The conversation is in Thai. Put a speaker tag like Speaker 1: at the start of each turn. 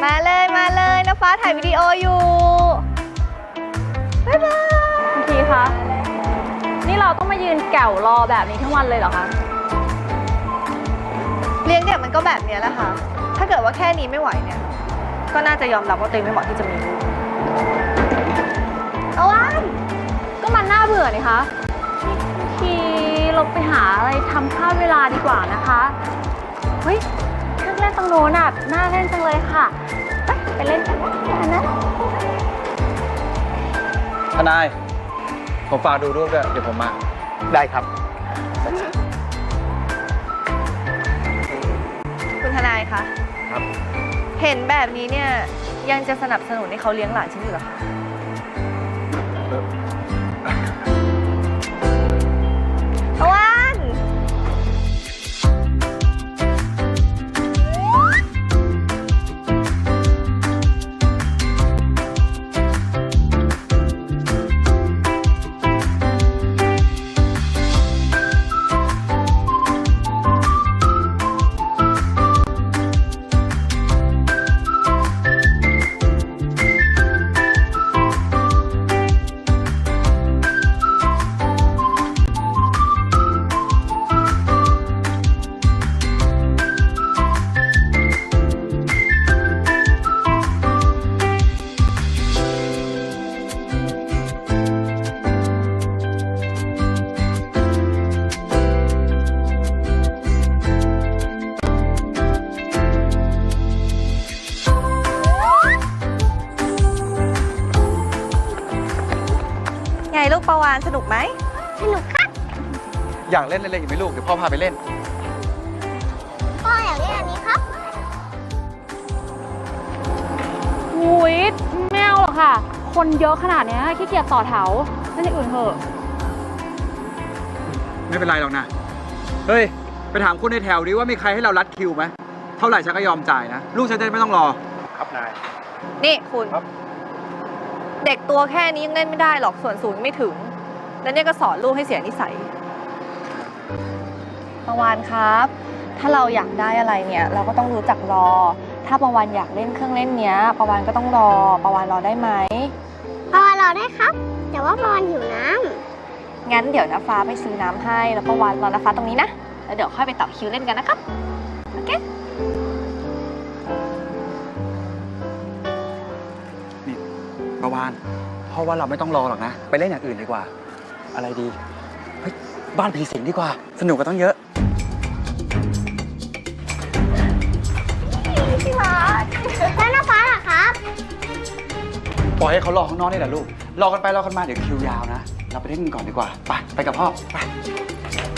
Speaker 1: มาเลยนะฟ้าถ่ายวิดีโออยู่บ๊ายบาย
Speaker 2: คุณทีคะนี่เราต้องมายืนแก่วรอแบบนี้ทั้งวันเลยเหรอคะ
Speaker 1: เลี้ยงเด็กมันก็แบบนี้แหละค่ะถ้าเกิดว่าแค่นี้ไม่ไหวเนี่ยก็น่าจะยอมรับว่าตัวเองไม่เหมาะที่จะมีลูกเอาวะ
Speaker 2: ก็มันน่าเบื่อนี่คะทีเราไปหาอะไรทำข้าวเวลาดีกว่านะคะเฮ้ยเครื่องเล่นตรงโน้นน่ะน่าเล่นจังเลยค่ะไปเล่นกันนะ
Speaker 3: ทนายผมฝากดูรูปด้วยเดี๋ยวผมมา
Speaker 4: ได้ครับ
Speaker 1: คุณทนายคะ
Speaker 4: ครับ
Speaker 1: เห็นแบบนี้เนี่ยยังจะสนับสนุนให้เขาเลี้ยงหลานฉันอยู่หรอคะตะวันไงลูกปาวานสนุกไหม
Speaker 5: สนุกครับ
Speaker 3: อยากเล่นอะไรอีกไหมลูกเดี๋ยวพ่อพาไปเล่น
Speaker 5: พ่ออยากเล่นอันนี้ครับ
Speaker 2: หุยแมวหรอค่ะคนเยอะขนาดนี้ขี้เกียจต่อแถวเล่นอย่างอื่นเถอะ
Speaker 3: ไม่เป็นไรหรอกนะเฮ้ยไปถามคนในแถวดิว่ามีใครให้เรารัดคิวไหมเท่าไหร่ฉันก็ยอมจ่ายนะลูกฉันจะไม่ต้องรอ
Speaker 4: ครับนาย
Speaker 1: นี่คุณ
Speaker 4: ครับ
Speaker 1: เด็กตัวแค่นี้ยังเล่นไม่ได้หรอกส่วนสูงไม่ถึงแล้วเนี่ยก็สอนลูกให้เสียนิสัยปาวานครับ ถ้าเราอยากได้อะไรเนี่ยเราก็ต้องรู้จักรอถ้าปาวานอยากเล่นเครื่องเล่นเนี้ยปาวานก็ต้องรอปาวานรอได้ไหม
Speaker 5: ปาวานรอได้ครับแต่ว่าปาวานหิวน้
Speaker 1: ำงั้นเดี๋ยวน้าฟ้าไปซื้อน้ำให้แล้วปาวานรอน้าฟ้าตรงนี้นะแล้วเดี๋ยวค่อยไปต่อคิวเล่นกันนะครับโอเค
Speaker 3: นี่ประวานเพราะว่าเราไม่ต้องรอหรอกนะไปเล่นอย่างอื่นดีกว่าอะไรดีเฮ้ยบ้านผีสิงดีกว่าสนุกกันต้องเยอะ
Speaker 1: พี่มา
Speaker 5: แล้วน้าฟ้าล่ะครับ
Speaker 3: ปล่อยให้เขารอข้างนอกนี่แหละลูกรอกันไปรอกันมาเดี๋ยวคิวยาวนะเราไปเล่นกันก่อนดีกว่าไปกับพ่อไป